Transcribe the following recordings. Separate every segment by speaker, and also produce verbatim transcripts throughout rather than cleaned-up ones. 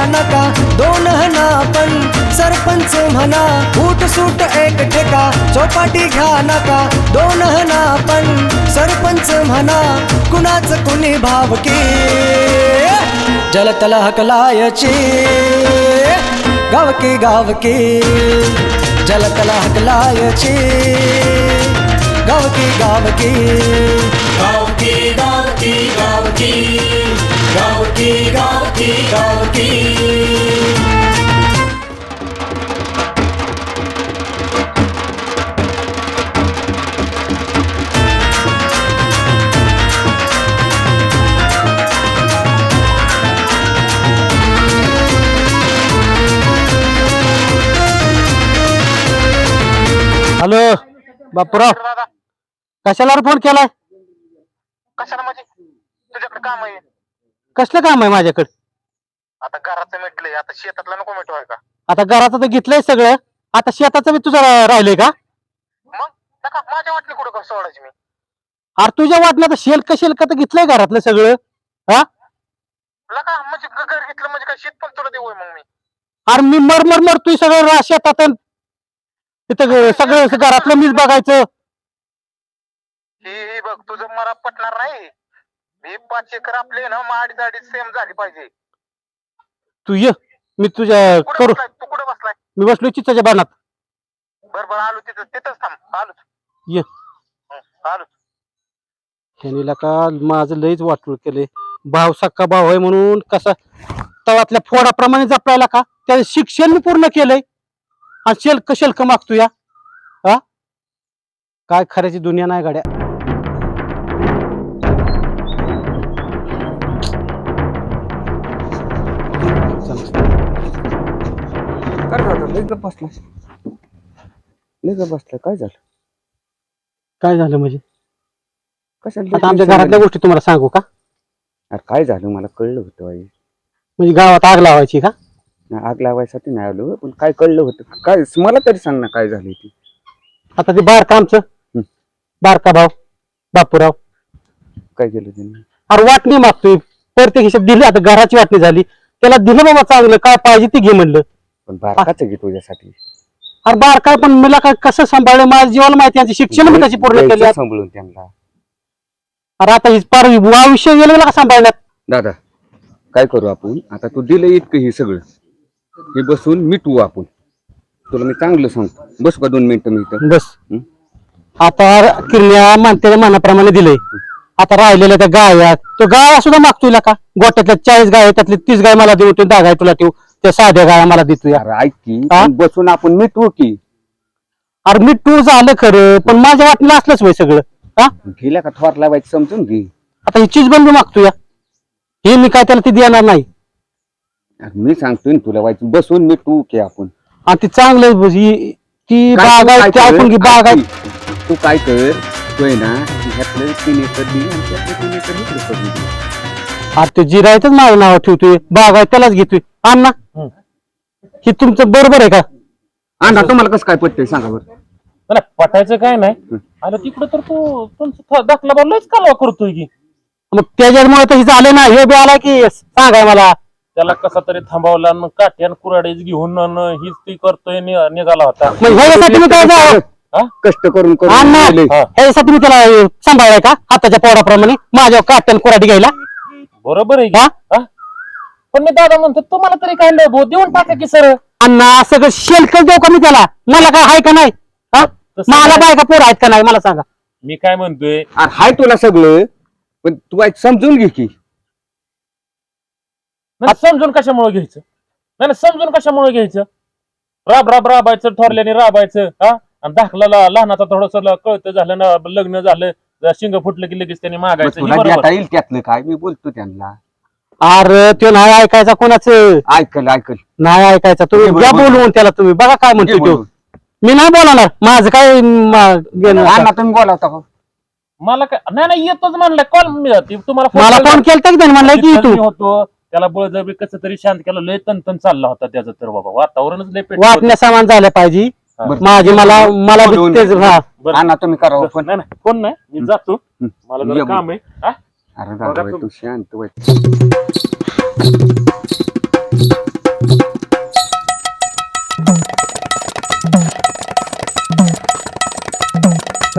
Speaker 1: नका दोन हना पण सरपंच म्हणा फूट सूट एक ठेका चौपाटी घ्या नका दोन हना पण सरपंच म्हणा कुणाच कुणी भावकी जलतल हकलायची गावकी गावकी जलतल हकलायची गावकी गावकी
Speaker 2: गावकी गावकी गावकी गावकी गावकी गावकी
Speaker 3: हॅलो बापूराव कशाला फोन केलाय?
Speaker 4: कशाला म्हणजे तुझ्याकडे काम आहे?
Speaker 3: कसलं काम आहे माझ्याकडे?
Speaker 4: आता घराचं मिटलंय, आता शेतातला नको मिटवाय का?
Speaker 3: आता घराचं तर घेतलंय सगळं, आता शेताचं बी तुझं रा- राहिलंय का?
Speaker 4: मग नका माझ्या वाटली कुठं कसं सोडायची मी?
Speaker 3: अरे तुझ्या वाटलं तर शेल्क शेल्क तर घेतलंय घरातलं सगळं. हा
Speaker 4: लका म्हणजे ग- घर घेतलं म्हणजे काय शेत पण तुला देऊ मग मी?
Speaker 3: अरे मी मरमर मरतोय सगळं रा- शेतात अन तिथं ग- सगळं घरातलं मीच बघायचं.
Speaker 4: हे हे बघ तुझं मला पटणार नाही. हे पाच एकर आपले ना माडी जाडी सेम झाली पाहिजे.
Speaker 3: तू ये, मी तुझ्या
Speaker 4: कुठे
Speaker 3: करू.
Speaker 4: बसलाय तू? कुठे बसलाय?
Speaker 3: मी बसलोय चिचाच्या बाणात.
Speaker 4: बर बर आलो तिथं तिथंच थांब आलोच.
Speaker 3: ये
Speaker 4: हं, आलोच.
Speaker 3: ह्यानीला का माझं लईच वाटलं केलंय. भाव सक्का भाव आहे म्हणून कसा तवातल्या फोडाप्रमाणे जपलायला का त्याचं शिक्षण मी पूर्ण केलंय आणि शेल्क शेल्क मागतो या. हा काय खऱ्याची दुनिया नाही गाड्या.
Speaker 5: काय झालं? लय गप्प बसला लय गप्प बसला काय झालं?
Speaker 3: काय झालं म्हणजे
Speaker 5: कशाला
Speaker 3: आता आमच्या घरातल्या गोष्टी तुम्हाला सांगू का?
Speaker 5: अरे काय झालं मला कळलं होतं आई.
Speaker 3: म्हणजे गावात आग लावायची का?
Speaker 5: नाही, आग लावायसाठी नाही आलो पण काय कळलं होतं काय मला तरी सांग ना काय झालं ती.
Speaker 3: आता ते बारका आमचं बारका भाव बापूराव
Speaker 5: काय केलं त्यांनी?
Speaker 3: अरे वाटणी मागतोय प्रत्येक हिशोब दिली. आता घराची वाटणी झाली त्याला दिलं बाबा चांगलं काय पाहिजे ते घे म्हणलं.
Speaker 5: पण बारकाच घे तुझ्यासाठी.
Speaker 3: अरे बारका पण मला काय कसं सांभाळलं माझ्या जीवाला माहिती यांची शिक्षण मी त्याची पूर्ण केली.
Speaker 5: द्यायचं सांभाळून त्यांना.
Speaker 3: अरे आता हीच पार आयुष्य गेलं मला का सांभाळण्यात.
Speaker 5: दादा काय करू आपण आता तू दिलं इतकं हे सगळं हे बसून मिटवू आपण. तुला मी चांगलं सांगतो बस का दोन मिनिटं मी इथं.
Speaker 3: बस
Speaker 5: हं?
Speaker 3: आता किरण्या मानतेच्या मनाप्रमाणे दिलंय. आता राहिलेल्या त्या गाया तो गाय सुद्धा मागतोय का गोट्यातल्या चाळीस गाय त्यातली तीस गाय मला देऊ दहा गाय तुला ठेवू त्या साध्या गाया मला देतोय.
Speaker 5: अरे ऐक की
Speaker 3: हा?
Speaker 5: पण बसून आपण मिटवू की.
Speaker 3: अरे मी टू झालं खरं पण माझ्या वाटलं असलंच वय सगळं. हा
Speaker 5: गेल्या का थोर लावायचं समजून घे.
Speaker 3: आता ही चीज बंद मागतोय हे मी काय त्याला ती देणार नाही.
Speaker 5: अरे मी सांगतोय ना तुला व्हायचं बसून मिटवू की आपण.
Speaker 3: आणि ती चांगलं ही- ती
Speaker 5: काय
Speaker 3: बाग
Speaker 5: तू
Speaker 3: आहे
Speaker 5: काय
Speaker 3: ती आपण
Speaker 5: कर?
Speaker 3: बाग आहे.
Speaker 5: ऐक की, तू काय कर तू आहे ना ह्यातलं तीन एकर दे आणि त्यातलं तीन एकर इकडे करून दे.
Speaker 3: अरे ते जिरायचंच माझं नाव ठेवतोय बाग आहे त्यालाच घेतोय. अण्णा हे तुमचं बरोबर आहे का?
Speaker 5: अण्णा तुम्हाला कसं काय पटतंय सांगा बरं.
Speaker 6: नाही पटायचं काय नाही. आणि तिकडं तर तू तुमचं दाखला बोललायच कालवा करतोय की.
Speaker 3: मग त्याच्यामुळे तर हे झालं ना हे बी आला की सांगाय मला.
Speaker 6: त्याला कसा तरी थांबवला आणि मग काठ्यान कुराडीच घेऊन अन हीच ती करतोय नि- निघाला होता.
Speaker 3: मग ह्याच्यासाठी मी काय जावं?
Speaker 6: हा?
Speaker 5: कष्ट करून करून
Speaker 3: अण्णा
Speaker 5: गेले.
Speaker 6: हा.
Speaker 3: ह्याच्यासाठी मी त्याला सांभाळाय का हाताच्या पोराप्रमाणे माझ्या काटन कुराडी घ्यायला.
Speaker 6: बरोबर आहे की.
Speaker 3: हा?
Speaker 6: हा? पण मी दादा म्हणतो तुम्हाला तरी काय नाही भाऊ देऊन टाका की सर.
Speaker 3: अण्णा सगळं शेल्क देऊ का मी त्याला? मला काय आहे का नाही? हा?
Speaker 6: तसं
Speaker 3: मला
Speaker 6: नाही.
Speaker 3: काय का पोर आहेत का नाही मला सांगा.
Speaker 6: मी काय म्हणतोय
Speaker 5: अरे हाय तुला सगळं पण तू ऐक समजून घे की.
Speaker 6: नाही, समजून कशामुळे घ्यायचं? नाही नाही, समजून कशामुळे घ्यायचं? राब राब राबायचं ठरल्याने राबायचं. हा आणि दाखला लहानाचा थोडस कळतं झालं ना लग्न झालं शिंग फुटलं की लगेच त्यांनी
Speaker 5: मग
Speaker 6: मागायचं. हे
Speaker 5: तुला
Speaker 6: बरोबर.
Speaker 5: देता येईल त्यातलं काय मी बोलतो त्यांना.
Speaker 3: अरे तो नाही ऐकायचा कोणाचं
Speaker 5: ऐकल ऐकल
Speaker 3: नाही ऐकायचा. तुम्ही
Speaker 5: बोल,
Speaker 3: घ्या
Speaker 5: बोल.
Speaker 3: बोलवून त्याला तुम्ही बघा काय म्हणतो तो.
Speaker 5: बोलून.
Speaker 3: मी नाही बोलणार माझं काय म- घेणं आता.
Speaker 5: अण्णा तुम्ही बोलावता का?
Speaker 6: मला काय नाही नाही येतोच म्हणलं कॉल मी तुम्हाला phone
Speaker 3: मला
Speaker 6: केला.
Speaker 3: फोन केलता की त्याने म्हणलं की
Speaker 6: तिथं
Speaker 3: तू
Speaker 6: मी होतो त्याला बळजबरी कसं तरी शांत केलं. लय तन चालला होता त्याचं तर बाबा वातावरणच लय पेट
Speaker 3: वाटण्या सामान झालं पाहिजे.
Speaker 5: बरं.
Speaker 3: माझी मला मला बी
Speaker 5: बोलून.
Speaker 3: तेच हा
Speaker 6: बरं.
Speaker 5: अण्णा तुम्ही करावं पण.
Speaker 6: नाही नाही फोन नाही मी जातो.
Speaker 5: हं.
Speaker 6: मला
Speaker 5: ये
Speaker 6: जरा
Speaker 5: बोल.
Speaker 6: काम आहे. हा?
Speaker 5: अरे दादा
Speaker 6: बघा
Speaker 5: बाई,
Speaker 6: तुम्ही.
Speaker 5: तू शांत बाई.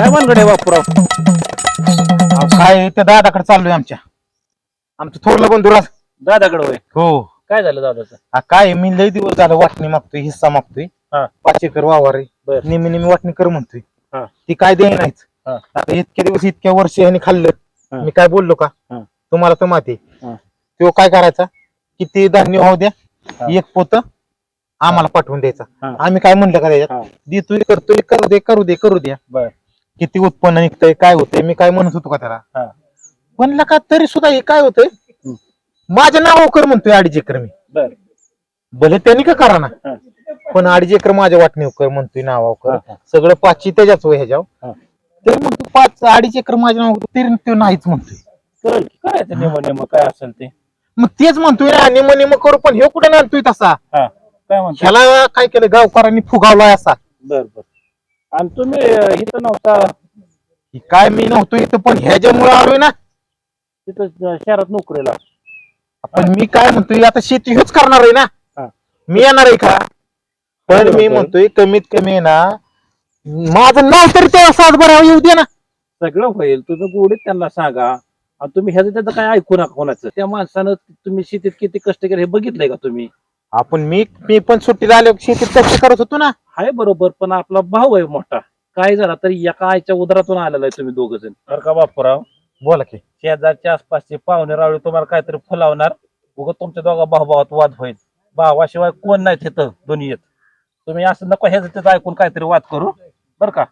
Speaker 6: काय मनगड आहे बापूराव?
Speaker 7: अहो, काय त्या दादाकडे चाललोय आमच्या आमचं थोरलं बंधू राज.
Speaker 6: दादाकडे होय.
Speaker 7: हो
Speaker 6: काय झालं दादाचं?
Speaker 7: हा, काय मी लय दिवस झालं वाटणी मागतोय, हिस्सा मागतोय.
Speaker 6: हा.
Speaker 7: पाच एकर वावर आहे,
Speaker 6: बर.
Speaker 7: निम्मी निम्मी वाटणी कर म्हणतोय.
Speaker 6: हा.
Speaker 7: ती काय दे नाहीच.
Speaker 6: हा.
Speaker 7: आता इतक्या दिवस इतक्या वर्ष ह्याने खाल्लं,
Speaker 6: हा.
Speaker 7: मी काय बोललो का?
Speaker 6: हा.
Speaker 7: तुम्हाला तर माहिती
Speaker 6: हा.
Speaker 7: तो काय करायचा, किती धान्य होऊ द्या,
Speaker 6: हा.
Speaker 7: एक पोत आम्हाला पाठवून द्यायचा.
Speaker 6: हा.
Speaker 7: आम्ही काय म्हणलं का
Speaker 6: हा.
Speaker 7: त्याच्यात, देतोय करतोय, करू दे करू दे करू द्या.
Speaker 6: बर.
Speaker 7: किती उत्पन्न निघतंय काय होतंय मी काय म्हणत होतो का त्याला.
Speaker 6: हा.
Speaker 7: म्हणलं का तरी सुद्धा हे काय होतंय,
Speaker 6: हम्म.
Speaker 7: माझ्या नावावर कर म्हणतोय अडीच एकर मी.
Speaker 6: बर.
Speaker 7: भले त्यांनी का करा ना,
Speaker 6: हा.
Speaker 7: पण अडीच एकर माझ्या वाटणीवर कर म्हणतोय नावावर
Speaker 6: हा,
Speaker 7: कर.
Speaker 6: हा.
Speaker 7: सगळं पाचशे त्याच्याच वय ह्याच्यावर.
Speaker 6: हा.
Speaker 7: तरी म्हणतो पाच अडीच एकर माझ्या नावावर तरी तो नाहीच म्हणतोय.
Speaker 6: कळलं की करायचं नेम नेम काय असेल ते.
Speaker 7: मग तेच म्हणतोय ना निम निम करू, पण हे कुठे आणतोय तसा.
Speaker 6: हा काय म्हणतो?
Speaker 7: ह्याला काय केलं गावकऱ्यांनी फुगावलाय असा.
Speaker 6: बर बर. आणि तुम्ही अं, इथं नव्हता
Speaker 7: ही काय मी नव्हतो इथं, पण ह्याच्यामुळे आलोय ना.
Speaker 6: तिथं अं, शहरात नोकरीला.
Speaker 7: पण मी काय म्हणतोय आता शेती हेच करणार आहे ना.
Speaker 6: हा.
Speaker 7: मी येणार आहे का? पण मी म्हणतोय कमीत कमी आहे ना, माझं नाव तरी तेव्हा सात बरं येऊ दे ना.
Speaker 6: सगळं होईल तुझं गोडीत त्यांना सांगा. आणि तुम्ही ह्याचं त्याचं काय ऐकू नका कोणाचं. त्या माणसानं तुम्ही शेतीत किती कष्ट केले हे बघितलंय का तुम्ही?
Speaker 7: आपण मी मी पण सुट्टीला आलो शेतीत कष्ट करत होतो ना.
Speaker 6: हाय बरोबर, पण आपला भाऊ आहे मोठा. काय झाला तरी एका आईच्या उदरातून आलेला आहे तुम्ही दोघ जण. बरं का बापूराव?
Speaker 7: बोला की.
Speaker 6: शेजारच्या आसपासचे पाहुणे रावळे तुम्हाला काहीतरी फुलावणार. उगा तुमच्या दोघा भाऊभावात वाद होईल. भावाशिवाय कोण नाही तिथं दुनियेत. तुम्ही असं नको ह्याचं त्याचं ऐकून काहीतरी वाद करू बर का?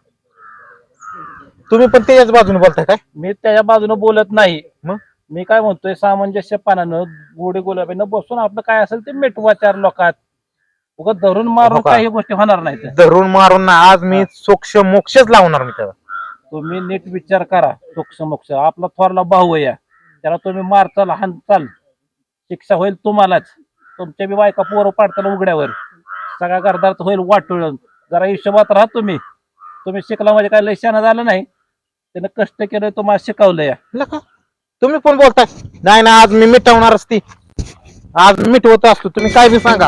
Speaker 7: तुम्ही पण त्याच्याच बाजूने बोलताय काय?
Speaker 6: मी त्याच्या बाजूने बोलत नाही.
Speaker 7: मग?
Speaker 6: मी काय म्हणतोय सामंजस्यपणानं गोडी गुलाबीनं बसून आपलं काय असेल ते मिटवा चार लोकात. उगा धरून मारून
Speaker 7: हो का?
Speaker 6: काही गोष्टी होणार नाहीत.
Speaker 7: धरून मारून ना आज मी सोक्ष मोक्षच लावणार मी त्याला.
Speaker 6: तुम्ही नीट विचार करा. सोक्ष मोक्ष आपला थोरला भाऊ आहे. त्याला तुम्ही मारचाल हाणचाल शिक्षा होईल तुम्हालाच. तुमच्या बी बायका पोरं पाडताल उघड्यावर. सगळ्या घरदार होईल वाटून. जरा हिशोबात राहा तुम्ही. तुम्ही शिकला म्हणजे काय लय शहाणा झालं नाही. त्यानं कष्ट केलं तुम्हाला शिकवलं या.
Speaker 7: नका तुम्ही पण बोलताय नाही ना, आज मी मिटवणारच ती. आज मिटवत असतो, तुम्ही काय बी सांगा.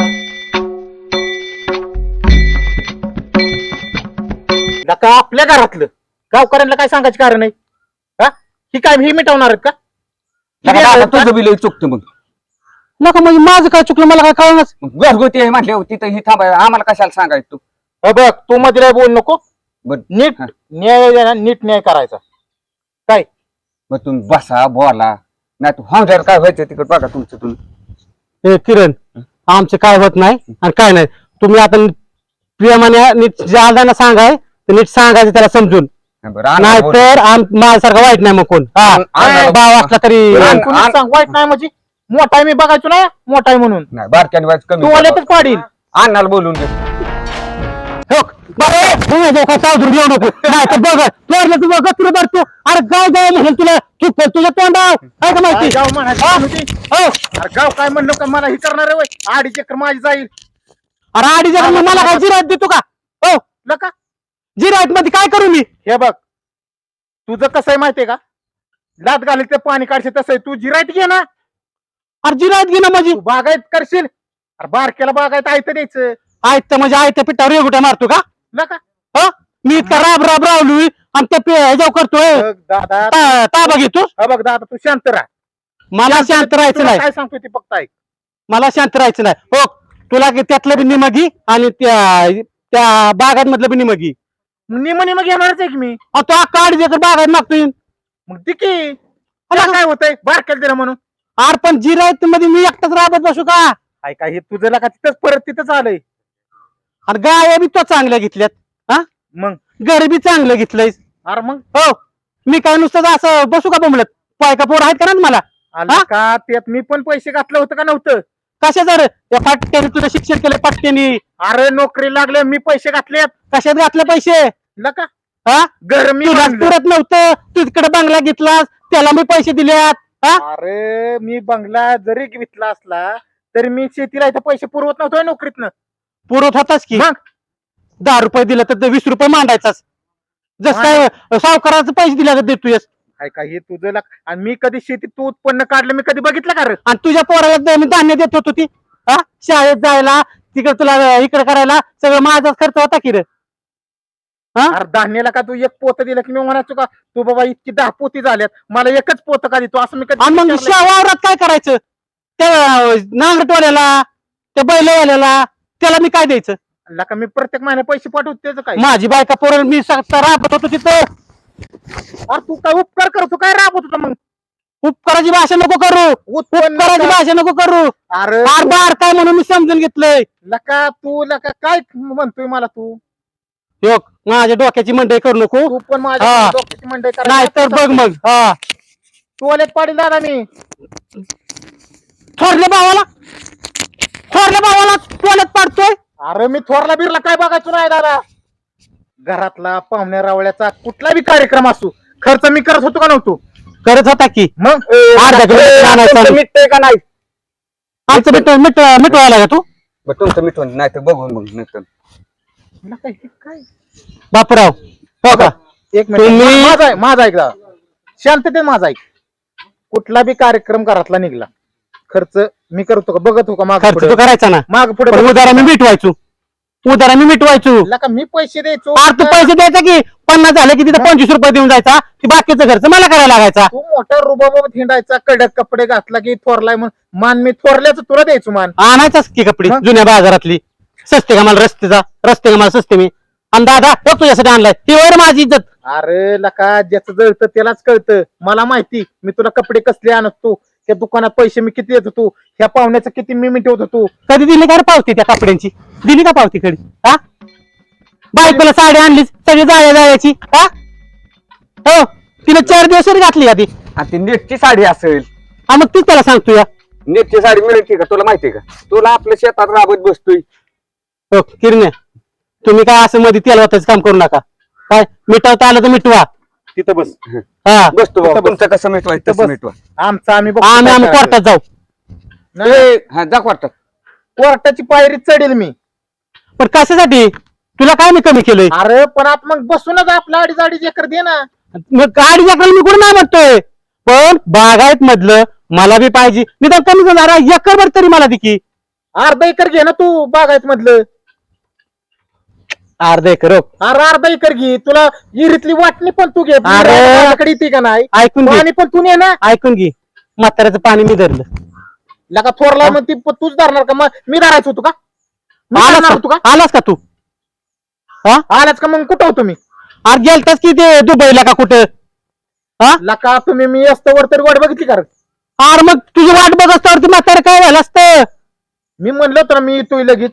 Speaker 7: नका आपल्या घरातलं गावकऱ्यांना काय सांगायचं कारण नाही. हा ही काय ही मिटवणार आहेत का?
Speaker 5: नका दादा, तुझं बी लय चुकतं मग.
Speaker 3: नका म्हणजे माझं काय चुकलं मला काय कळणार.
Speaker 5: मग घरगुती आहे म्हटल्यावर तिथं ही थांबाय आम्हाला कशाला सांगायचं तू?
Speaker 7: हे बघ तू मध्ये नाही बोल नको.
Speaker 5: बर.
Speaker 7: नीट
Speaker 5: हा.
Speaker 7: न्याय द्या ना, नीट न्याय करायचा. काय
Speaker 5: मग तुम्ही बसा बोला. नाही तू हांजार काय व्हायचं तिकडे बघा तुमचं तुम्ही.
Speaker 3: ए किरण, आमचं काय होत नाही आणि काय नाही. तुम्ही आता प्रियमाने नीट जालदाना सांगाय तर नीट सांगायचं त्याला समजून.
Speaker 5: बरं आणा
Speaker 3: नाही
Speaker 5: बोल.
Speaker 3: तर माझ्यासारखा वाईट नाही मग कोण. हा
Speaker 5: आण-
Speaker 3: भाव असला तरी
Speaker 5: आण-
Speaker 7: कोणी सांग वाईट नाही म्हणजे मोठा आहे मी बघायचो ना मोठा आहे म्हणून.
Speaker 5: नाही बारक्याने व्हायचं कमी.
Speaker 7: तू आले तर पाडील.
Speaker 5: अन्नाला बोलून दे.
Speaker 3: हो, बरं, तुम्ही दोघं सावधून येऊ नको. नाही तर बघ तोडलं तू बघ तुला भरतो. अरे गाव जाय म्हणेल तुला चूक तुझ्या तोंडाव काय का
Speaker 7: काय
Speaker 3: माहिती.
Speaker 7: गाव म्हणायचं
Speaker 3: हा?
Speaker 7: होती?
Speaker 3: हो,
Speaker 7: अरे गाव काय म्हणलं का मला ही करणार आहे वय अडीच एकर माझी जाईल.
Speaker 3: अरे अडीच हजार मला काय जिरायत देतो का? हो,
Speaker 7: नका
Speaker 3: जिरायत मध्ये काय करू मी?
Speaker 7: हे बघ तुझं कसं आहे माहितीये का, लात घालीत ते पाणी काढशील तसं आहे. तू जिरायत घे ना,
Speaker 3: अरे जिरायत घे ना माझी.
Speaker 7: तू बागायत करशील. अरे बारक्याला बागायत आयत द्यायचं.
Speaker 3: आयत म्हणजे आयत्या पिठावर रेगुट्या मारतो का?
Speaker 7: नका
Speaker 3: हो, मी इतका राब राब रावलोय आणि ते पे- ह्याच्यावर करतोय
Speaker 7: बघ दादा
Speaker 3: ता- ताबा घेतो.
Speaker 7: हा बघ दादा तू शांत राहा.
Speaker 3: मला शांत राहायचं
Speaker 7: तुला
Speaker 3: नाही.
Speaker 7: काय सांगतोय ते फक्त ऐक.
Speaker 3: मला शांत राहायचं नाही. हो, तुला की त्यातलं बी निमगी आणि त्या त्या बागांमधलं बी निमगी.
Speaker 7: निम निम घेणारच आहे की मी.
Speaker 3: अहो, तो अख्खा अडीच एकर बागात मागतोय.
Speaker 7: मग ती की तुला काय होतंय बारक्याला दिलं म्हणून.
Speaker 3: अरे पण जिरायत मध्ये मी एकटाच राबत बसू का?
Speaker 7: ऐका हे तुझं लका तिथंच परत तिथंच आलंय.
Speaker 3: आणि गाय बी तो चांगल्या घेतल्यात. हा,
Speaker 7: मग
Speaker 3: घर बी चांगलं घेतलंय.
Speaker 7: अरे मग
Speaker 3: हो, मी काय नुसतं असं बसू का बोंबलत? पायका पोर आहेत का ना मला?
Speaker 7: आलं
Speaker 3: हा?
Speaker 7: का त्यात मी पण पैसे घातलं होतं का नव्हतं.
Speaker 3: कशा जर त्या पाट्याने तुझं शिक्षण केलं पाट्याने
Speaker 7: अरे नोकरी लागले मी पैसे घातलेत.
Speaker 3: कशात घातले पैसे?
Speaker 7: लका
Speaker 3: हा,
Speaker 7: घर मी
Speaker 3: तुला
Speaker 7: बांधलं.
Speaker 3: पुरत नव्हतं. तू तिकडे बंगला घेतलास त्याला मी पैसे दिल्यात. हा,
Speaker 7: अरे मी बंगला जरी घेतला असला तरी मी शेतीला इथं पैसे पुरवत नव्हतो नोकरीतनं.
Speaker 3: पुरत होताच की.
Speaker 7: मग
Speaker 3: दहा रुपये दिलं तर ते वीस रुपये मांडायचाच. जस काय सावकाराचे पैसे दिल्या देतोयस.
Speaker 7: ऐका हे तुझं लक आणि मी कधी शेतीत तू उत्पन्न काढलं मी कधी बघितलं का रे.
Speaker 3: आणि तुझ्या पोराला द- मी धान्य देत होतो ती. हा, शाळेत जायला तिकडे तुला इकडे करायला सगळं माझाच खर्च होता की रे. हा?
Speaker 7: अरे धान्याला का तू एक पोत दिलं की मी म्हणायचो का तू बाबा इतकी दहा पोती झाल्यात मला एकच पोत का देतो असं मी कधी
Speaker 3: आणि मग
Speaker 7: विचारलंय?
Speaker 3: शा- वावरात काय करायचं त्या नांगरटवाल्याला त्या बैलवाल्याला त्याला मी काय द्यायचं
Speaker 7: लका मी प्रत्येक महिन्या पैसे पाठवतो त्याचं काय
Speaker 3: माझी बायका पोर मी स- राबत होतो तिथं
Speaker 7: अरे तू काय उपकार करतो काय राबवत होता मग
Speaker 3: उपकाराची भाषा नको करू
Speaker 7: उत्पन्न
Speaker 3: उपकाराची भाषा नको करू
Speaker 7: अरे
Speaker 3: आर बार काय म्हणून मी समजून घेतलंय
Speaker 7: लका तू लका काय म्हणतोय मला तू
Speaker 3: ह्यो, माझ्या डोक्याची मंडई करू नको
Speaker 7: तू पण माझ्या
Speaker 3: हा.
Speaker 7: डोक्याची मंडई
Speaker 3: नाही तर बघ मग हा
Speaker 7: टोलेत पाडील दादा मी
Speaker 3: थोरल्या भावाला थोरल्या भावाला टोल्यात पाडतोय
Speaker 7: अरे मी थोरला बिरला काय बघायचो नाही दादा घरातला पाहुण्या रावळ्याचा कुठला बी कार्यक्रम असो खर्च मी करत होतो का नव्हतो
Speaker 3: करत होता की
Speaker 7: मग
Speaker 3: अर्धा किलो आणायचं.
Speaker 5: मिटतंय का नाही
Speaker 3: आमचं मिट मिट मिटवायला का तू
Speaker 5: बरं तुमचं मिटवून नाही तर बघून मग नंतर
Speaker 7: लका हे काय
Speaker 3: बापराव हो का
Speaker 7: एक मिनिट
Speaker 3: तुम्ही-
Speaker 7: मा- माझा आहे माझा ऐक दादा शांततेत माझा ऐक कुठला बी कार्यक्रम घरातला निघला खर्च मी करतो का बघत हो का माग
Speaker 3: खर्च तू करायचा ना
Speaker 7: माग पुढे
Speaker 3: पण उदारा मी मिटवायचो उदारा मी मिटवायचो
Speaker 7: लका मी पैसे द्यायचो
Speaker 3: आर तू पैसे द्यायचा की पन्नास झाले की तिथं पंचवीस रुपये देऊन जायचा की बाकीचा खर्च मला करायला लागायचा
Speaker 7: तू मोठा रुबाबात हिंडायचा कडक कपडे घातला की थोरलाय म्हणून मान मी थोरल्याच तुला द्यायचो मान
Speaker 3: आणायचाच की कपडे
Speaker 7: मग?
Speaker 3: जुन्या बाजारातली सस्ते का मला रस्तेचा रस्ते का मला सस्ते मी आणि दादा बघ तुझ्यासाठी आणलाय ती वर माझी इज्जत
Speaker 7: अरे लका ज्याचं जळतं त्यालाच कळतं मला माहिती मी तुला कपडे कसले आणत तू त्या दुकानात पैसे मी किती देत होतो ह्या पाहुण्याचं किती मी मिटवत होतो
Speaker 3: कधी दिली का रे पावती त्या कपड्यांची दिली का पावती कधी हा बायकोला साडी आणलीच सगळी जाया जायची हा हो तिने चार दिवस जरी घातली आधी
Speaker 5: आणि ती नेटची साडी असेल
Speaker 3: हा मग तीच त्याला सांगतो या
Speaker 5: नेटची साडी मिळते का तुला माहितीये का तुला आपल्या शेतात राबत बसतोय
Speaker 3: हो किरण्या तुम्ही काय असं मध्ये तेल वाटायचं काम करू नका काय मिटवता आलं तर मिटवा
Speaker 7: तिथं बस
Speaker 3: हा
Speaker 5: बसतो बाबा.
Speaker 7: बस.
Speaker 5: तुमचं कसं मिटवायचं
Speaker 7: बस.
Speaker 5: तसं मिटवा
Speaker 7: आमचं आम्ही बघतो
Speaker 3: आम्ही
Speaker 7: काय
Speaker 3: आम्ही
Speaker 7: करायचं.
Speaker 3: कोर्टात जाऊ
Speaker 7: नाही,
Speaker 5: ए, हा जा वाटतात
Speaker 7: कोर्टाची पायरी चढेल मी
Speaker 3: पण कशासाठी तुला काय मी कमी केलंय
Speaker 7: अरे पण आप मग बसूनच आपला अडीच अडीच एकर दे ना
Speaker 3: मग गाडी एकर मी कुठं नाही म्हणतोय पण बागायत मधलं मला बी पाहिजे निदान कमी करणार एकर भर तरी मला दे की
Speaker 7: अर्धा एकर घे ना तू बागायत मधलं
Speaker 3: अर्धा एकर हो.
Speaker 7: अरे अर्धा एकर घे तुला विहिरीतली वाटणी पण तू घे
Speaker 3: अरे.
Speaker 7: माझ्याकडे येते का नाही
Speaker 3: ऐकून घे
Speaker 7: पाणी पण तू ने ना
Speaker 3: ऐकून घे म्हाताऱ्याचं पाणी मी धरलं
Speaker 7: लका थोरला मग ती प- तूच धरणार का मग मी धरायचं होतो का मी
Speaker 3: आलास
Speaker 7: धरणार होतो
Speaker 3: का
Speaker 7: का
Speaker 3: आलास का तू हा
Speaker 7: आलाच का मग कुठं होतो मी
Speaker 3: अरे गेलतास की ते दुबईला का कुठं हा
Speaker 7: लका तुम्ही मी असतं तरी वाट बघितली का रे?
Speaker 3: अरे मग तुझी वाट बघ असतावरती म्हातारं काय झालं असतं
Speaker 7: मी म्हणलं होतं ना मी येतोय लगेच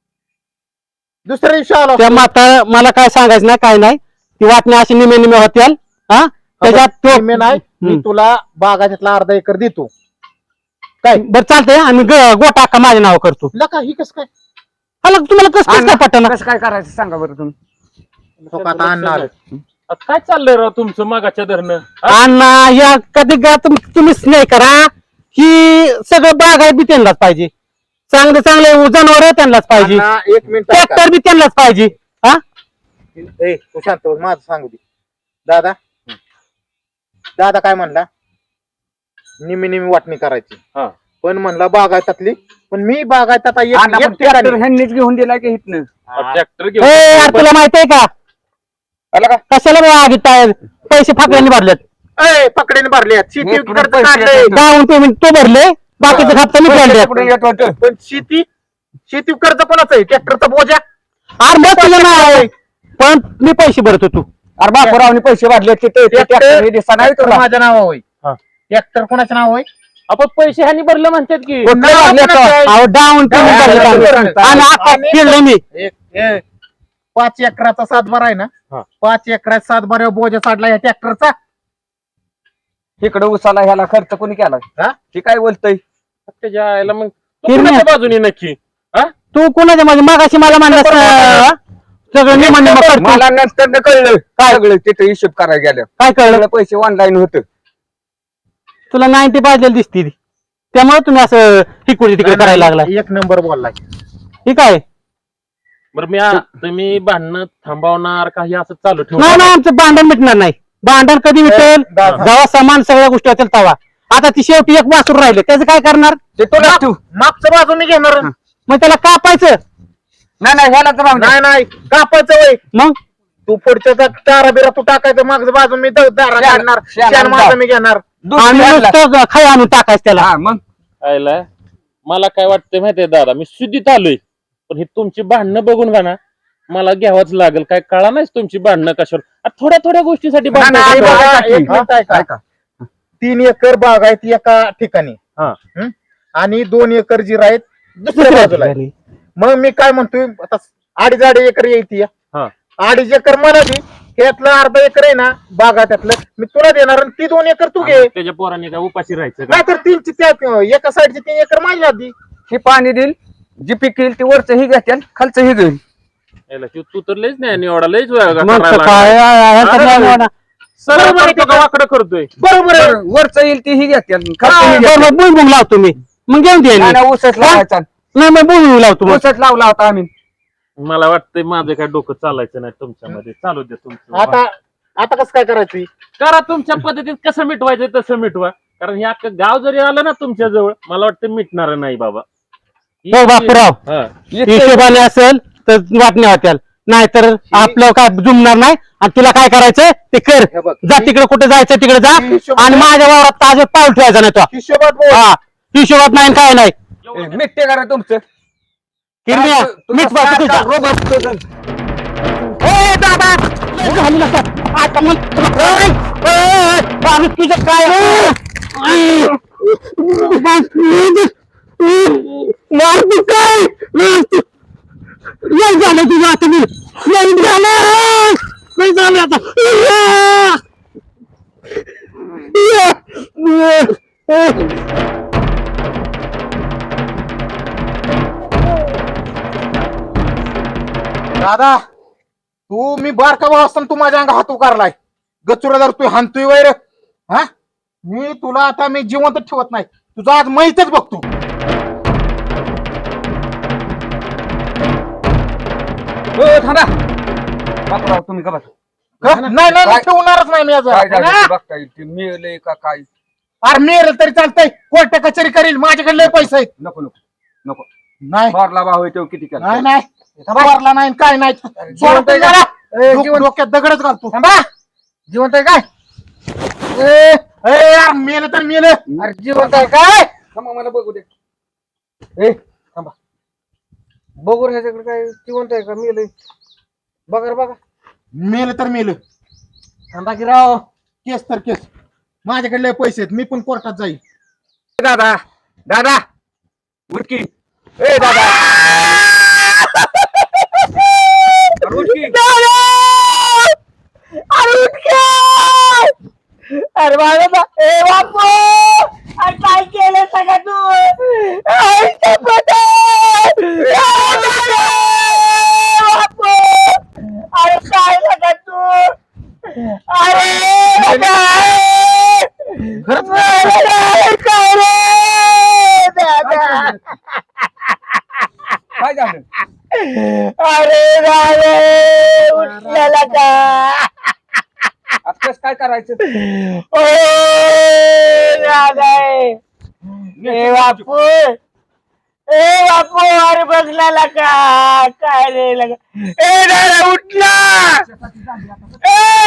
Speaker 7: दुसऱ्या दिवशी आलो
Speaker 3: त्या
Speaker 7: असतो.
Speaker 3: म्हातार मला काय सांगायचं नाही काय नाही ती वाटणी अशी निमे निमे होत्याल हा त्याच्यात तो
Speaker 7: मी नाही मी
Speaker 3: हम्म.
Speaker 7: तुला बागाच्यातला अर्धा एकर देतो काय
Speaker 3: बरं चालतंय आणि ग- गोटा अक्का माझ्या नाव करतो
Speaker 7: लका ही कस काय
Speaker 3: हला तुम्हाला कसं कसं काय पटना
Speaker 5: कसं काय करायचं सांगा बरं तुम्ही
Speaker 7: हो का, आता आणणार
Speaker 6: आता काय चाललंय राव तुमचं मागाच्या धरणं हा?
Speaker 3: अण्णा या कधी गा तुम- तुम्हीच नाही करा ही सगळं बागायत बी त्यांनाच पाहिजे चांगले चांगले जनावर त्यांनाच पाहिजे
Speaker 7: अण्णा, एक मिनिट ऐका.
Speaker 3: ट्रॅक्टर बी त्यांनाच पाहिजे हा
Speaker 7: ए तू शांत बस, माझं सांगू दे दादा दादा काय म्हणला निमी निमी वाटणी करायची
Speaker 6: हा.
Speaker 7: पण म्हणला बागायतातली पण मी बागायतात एक-
Speaker 5: आणि आपण
Speaker 7: एक ठिकाणी-
Speaker 5: tractor ह्यांनीच घेऊन दिला की हिथनं
Speaker 6: ट्रॅक्टर
Speaker 3: ए, यार
Speaker 6: घेऊन
Speaker 3: तुला माहितीये का
Speaker 5: आला का
Speaker 3: कशाला बा आगीत टायर पैसे फाकड्यांनी भरलेत
Speaker 7: ए पकडेने भरले शेती
Speaker 5: हे
Speaker 7: कर्ज
Speaker 5: पैसे
Speaker 7: काढलंय
Speaker 5: येतात.
Speaker 3: डाऊन पेमेंट तो भरले बाकीचे हप्ता मी भरले
Speaker 5: पुढे येत होतं.
Speaker 7: पण शेती शेती कर्ज कोणाचं आहे ट्रॅक्टरचा बोजा
Speaker 3: अरे मग तुझं नाव आहे पण मी पैसे भरत होतो
Speaker 5: अरे बापूरावने पैसे वाढले तिथे ते tractor हे दिसता नाही
Speaker 7: ट्रॅक्टर
Speaker 5: तुला
Speaker 7: माझ्या नाव होय
Speaker 6: हा.
Speaker 7: ट्रॅक्टर कोणाचं नाव होय
Speaker 6: आपण पैसे ह्यानी भरले म्हणतात की
Speaker 3: कुठले
Speaker 7: नाव
Speaker 3: भरले
Speaker 7: कोणाचं आहे?
Speaker 3: तो? अहो डाऊन पेमेंट
Speaker 7: डाऊन
Speaker 3: भरले
Speaker 7: पेमेंट
Speaker 3: आम्ही.
Speaker 7: भरले.
Speaker 3: आणि आता
Speaker 7: आणि-
Speaker 3: फिरलो मी
Speaker 7: एक ए, पाच एकराचा सातबारा आहे ना
Speaker 6: हा.
Speaker 7: पाच एकराचा सातबारा बोजा साडला या ट्रॅक्टरचा
Speaker 5: इकडे उसाला ह्याला खर्च कोणी केला
Speaker 7: हा?
Speaker 5: हे काय बोलतय
Speaker 6: त्याच्या आईला मग तू
Speaker 3: किरण्या.
Speaker 6: कुणाच्या बाजूने नक्की हा
Speaker 3: तू कोणाच्या माझ्या मागाशी मला म्हणलास अं, सगळं निम निम करतो
Speaker 5: मला नंतर न कळलं काय सगळं तिथे हिशोब करायला गेलं
Speaker 3: काय कळलं
Speaker 5: सगळे पैसे ऑनलाईन होत
Speaker 3: तुला नाईन्टी पाहिजे दिसती ती. त्यामुळे तुम्ही असं तिकडे तिकडे करायला लागला
Speaker 7: एक नंबर बोललाय
Speaker 3: ठीक आहे
Speaker 6: बरं मी आ- तुम्ही भांडणं थांबवणार काही असं चालू ठेवू
Speaker 3: नाही नाही आमचं भांडण मिटणार नाही भांडण कधी मिटेल
Speaker 7: दादा.
Speaker 3: जेव्हा समान सगळ्या गोष्टी होतील तेव्हा आता ती शेवटी एक वासूर राहिले त्याचं काय करणार
Speaker 5: ते तुला तू
Speaker 7: मागचं बाजू मी घेणार
Speaker 3: मग त्याला कापायचं
Speaker 5: नाही नाही ह्याला तर राहून दे.
Speaker 7: नाही नाही कापायचं वय
Speaker 3: मग
Speaker 7: तू पुढच्या चारा बिरा तू टाकायचं मागचं बाजू मी द- दारा
Speaker 5: शेण-
Speaker 7: काढणार
Speaker 5: शेण
Speaker 7: शेण माझं
Speaker 5: आणून
Speaker 7: मी घेणार
Speaker 5: दूध
Speaker 3: आणि
Speaker 5: बी आणलं.
Speaker 3: नुसतं खाय आणून टाकायचं त्याला
Speaker 5: हा मग
Speaker 6: आयला मला काय वाटतंय माहितीये दादा मी शुद्धीत आलोय पण ही तुमची भांडणं बघून का ना मला घ्यावंच लागेल काय कळा नाही तुमची भांडणं कशावर आ, थोड्या थोड्या गोष्टीसाठी
Speaker 5: नाही,
Speaker 6: भांडणं
Speaker 5: नाही,
Speaker 6: करता.
Speaker 5: बघा,
Speaker 7: एक मिनिट ऐका.
Speaker 5: ऐका.
Speaker 7: तीन एकर बाग आहे ती एका ठिकाणी
Speaker 6: हा.
Speaker 7: हं? आणि दोन एकर जीर आहेत दुसऱ्या बाजूला आहे. मग मी काय म्हणतोय आता अडीच अडीच एकर येते
Speaker 6: हा.
Speaker 7: अडीच एकर मला दे त्यातलं अर्धा एकर आहे ना बागा त्यातलं मी तुला देणार आणि ती दोन एकर तू घे
Speaker 6: त्याच्या पोरांनी काय उपाशी राहायचं का?
Speaker 7: नाहीतर तीनची त्या एका साईडची तीन एकर माझी आधी
Speaker 5: हे पाणी देईल जी पीक येईल ते वरचं ही घेते खालचं ही घेईल
Speaker 6: याला तू तू तर लयच नाही एवढा लयच वेळा
Speaker 3: मग
Speaker 6: करायला
Speaker 3: तर काय
Speaker 6: लागला.
Speaker 3: आहे, आहे तर नाही होणार.
Speaker 6: सरळ
Speaker 7: बरोबर आहे
Speaker 6: करतो का वाकडं करतोय
Speaker 7: बरोबर आहे
Speaker 5: वरचं येईल ती ही घेते खालचं
Speaker 3: हा,
Speaker 5: ही घेते.
Speaker 3: बरोबर बुंग लावतो मी मग घेऊन दे
Speaker 5: नाही, नाही, ऊसच लावायचा
Speaker 3: नाही मग बुंग लावतो मग
Speaker 5: ऊसच लावला होता आम्ही
Speaker 6: मला वाटतंय माझं काय डोकं चालायचं नाही तुमच्यामध्ये चालू दे तुमचं
Speaker 7: आता आता कसं काय करायचं
Speaker 6: करा तुमच्या पद्धतीत कसं मिटवायचं तसं मिटवा कारण हे अख्खं गाव जरी आलं ना तुमच्या जवळ मला वाटतं मिटणार नाही बाबा
Speaker 3: हो बापूराव
Speaker 6: हा.
Speaker 3: हिशोबाने असेल तर वाटण्या होत्याल नाहीतर आपलं काय जुमणार नाही आणि तुला काय करायचं ते कर
Speaker 5: हे बघ,
Speaker 3: जा तिकडे कुठे जायचं तिकडे जा
Speaker 7: हिशोब-
Speaker 3: आणि माझ्या वावरात ताज पाऊल ठेवायचा नाही तो
Speaker 7: हिशोबात बोल.
Speaker 3: हा हिशोबात नाही आणि काय नाही
Speaker 5: ए, मिटते करा तुमचं
Speaker 3: किरम्या,
Speaker 5: तुमचं
Speaker 3: मीच बापू तुझा.
Speaker 5: सारखा रोबोट तुझं.
Speaker 3: ए, दादा लय घालू नका. आता मग ए, ए, ए, बाबू, तुझं काय मारतो काय लय झालं तुझं आता मी लय झालं लय झालं आता
Speaker 7: दादा तू मी बारका भाऊ असताना तू माझ्या अंगा हात उकारलाय गचुरा जर तू हाणतोय वैर हा मी तुला आता मी जिवंत ठेवत नाही तुझा आज माहीतच बघतो
Speaker 5: हो, थांबा बापराव तुम्ही का बस
Speaker 7: का? नाही नाही मी
Speaker 5: काय?
Speaker 7: ठेवणारच नाही मी आज
Speaker 5: काय झालं
Speaker 7: हा?
Speaker 5: ते बघता येईल ते मिळलंय का काय
Speaker 7: अरे मेल तरी चालतंय कोर्ट कचेरी करील माझ्याकडे लय पैसे आहेत
Speaker 5: नको नको नको
Speaker 7: नाही
Speaker 5: मारला भाऊ आहे तो किती केला
Speaker 7: नाही नाही भरला नाही काय नाही
Speaker 5: जिवंत आहे का? ए,
Speaker 7: डोक-
Speaker 5: जिवंत-
Speaker 7: डोक्यात दगडच घालतो थांबा जिवंत आहे काय ए, ए, यार मेल तर मेल
Speaker 5: अरे जिवंत आहे काय थांबा मला बघू दे ए थांबा बघू रे ह्याच्याकडे काय जिवंत आहे का मेलंय बघा रे बघा
Speaker 7: मेल तर मेल थांबा की राव केस तर केस माझ्याकडे लय पैसे आहेत मी पण कोर्टात जाईल
Speaker 5: दादा दादा उठकी ए दादा अरे उठकी
Speaker 3: अरे बाबा ए बापू अरे काय केलं सगळं तू अरे शपथ आहे. बापू अरे काय सगळं तू अरे काय काय रे दादा
Speaker 5: काय झालं
Speaker 3: अरे रावे उठलेला का
Speaker 5: आता कसं काय करायचं
Speaker 3: ओ रावे ए बापू ए बापू अरे बसलेला का काय रे लगा ए दादा उठला ए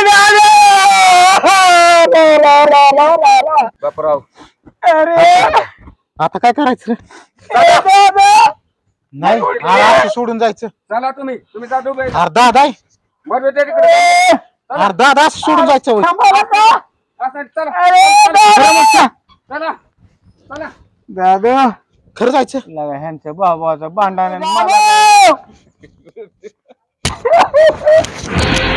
Speaker 3: दादा
Speaker 5: बापराव
Speaker 3: अरे
Speaker 7: आता काय करायचं
Speaker 3: ए दादा
Speaker 7: नाही असं सोडून जायचं
Speaker 5: चला तुम्ही तुम्ही जा डोबे
Speaker 7: अर्धा दाय
Speaker 5: बरोबर त्या तिकडे
Speaker 7: अर्धा दास सोडून जायचं होय.
Speaker 3: थांबा का
Speaker 5: असं चला
Speaker 3: अरे दादा
Speaker 5: चला चला
Speaker 7: दादा खरं जायचं
Speaker 3: लगा ह्यांच्या बाबाचं भांडण
Speaker 7: मला